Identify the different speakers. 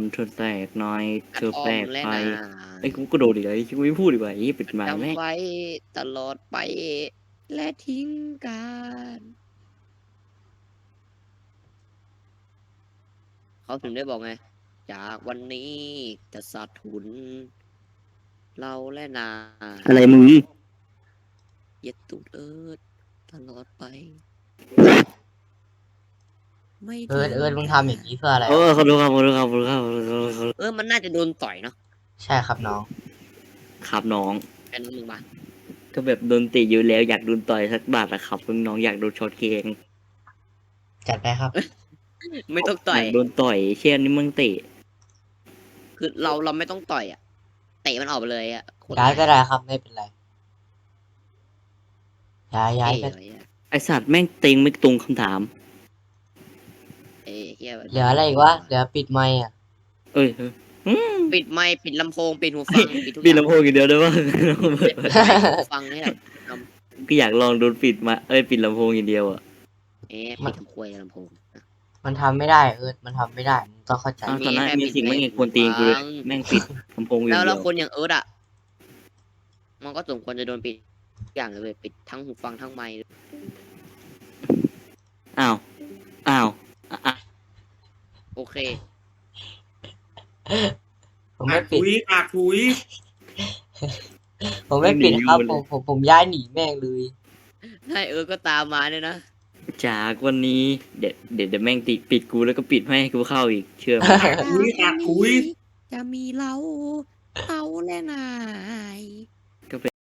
Speaker 1: เธอแตกหน่อยเธอแปลก
Speaker 2: และ
Speaker 1: ไป
Speaker 2: นา
Speaker 1: ไอ้กูก็โดนอีกแล้วกูไม่พูดดีกว่าไอ้ปิดไมค์แม่ง
Speaker 2: จำไว้ตลอดไปและทิ้งกัน เขาถึงได้บอกไง จากวันนี้จะสาดถุน เราและนา
Speaker 1: อะไรมึง
Speaker 2: เย็ดตูดตลอดไป ไม่
Speaker 3: เอิ
Speaker 2: ทิ้
Speaker 3: ร์ธเอิร์ธมึงทำอย่างนี้เพื่ออะไร
Speaker 1: เออ
Speaker 3: วะ
Speaker 1: ขอโทษครับขอโทษครับขอโทษครับขอโทษครับ
Speaker 2: มันน่าจะโดนต่อยเนาะ
Speaker 3: ใช่ครับน้อง
Speaker 1: ครับน้อง
Speaker 2: แค่นั้นมึงมา
Speaker 1: ก็แบบโดนเตะอยู่แล้วอยากโดนต่อยสักบาทอะครับน้องอยากโดนช็อตเกง
Speaker 3: จัดไปครับ
Speaker 2: ไม่ต้องต่
Speaker 1: อ
Speaker 2: อย
Speaker 1: ยากโดนต่อยเช่นนี้มึงเตะ
Speaker 2: คือเราไม่ต้องต่อยอ่ะ เตะมันออกไปเลยอ่ะโคตร
Speaker 3: ย้ายก็ได้ครับไม่เป็นไร ย้าย
Speaker 2: เท่
Speaker 3: ไป
Speaker 2: เลยอะ
Speaker 1: ไอสัตว์แม่งเต็งไม่ตรงคำถาม
Speaker 2: เฮีย
Speaker 3: เหลืออะไรอีกวะเหลือปิดไมค์อ่ะ
Speaker 1: เอ้ยอืม
Speaker 2: ปิดไมค์ปิดลำโพงปิดหูฟังปิดทุกอ
Speaker 1: ปิด
Speaker 2: ย่าง
Speaker 1: ลำโพงอย่างเดียวได้ป่ะ
Speaker 2: ปิดหูฟังนี่แหละ
Speaker 1: ก็อยากลองโดนปิดมาปิดลำโพงอย่างเดียวอะ
Speaker 2: ปิดทำควยลำโพง
Speaker 3: มันทำไม่ได้เอิร์ธมันทำไม่ได้มึงต้องเข้าใจ
Speaker 1: อ้าวตอนนั้น
Speaker 2: แค่
Speaker 1: มีสิ่ง
Speaker 2: ปิด
Speaker 1: ไม่
Speaker 2: ไว้
Speaker 1: เงควรตีนกูเลย
Speaker 2: ฟัง
Speaker 1: แม่งปิดลำโพงอยู่
Speaker 2: แล้ว
Speaker 1: เดียว
Speaker 2: คนอย่างอ่ะ มันก็สมควรจะโดนปิดทุกอย่างเลยเว้ยปิดทั้งหูฟังทั้งไมค์
Speaker 1: อ้าวอ้าวอ่ะ
Speaker 2: โอเค
Speaker 3: ผมไม่ปิด
Speaker 4: ถุย
Speaker 3: ผมไม่ปิดครับผมย้ายหนีแม่งเลย
Speaker 2: ให้ก็ตามมาเนี่ยนะ
Speaker 1: จากวันนี้เดี๋ยวแม่งติปิดกูแล้วก็ปิดไม่ให้กูเข้าอีกเชื่อไหม
Speaker 4: ถุย
Speaker 2: จะมีเราและนาย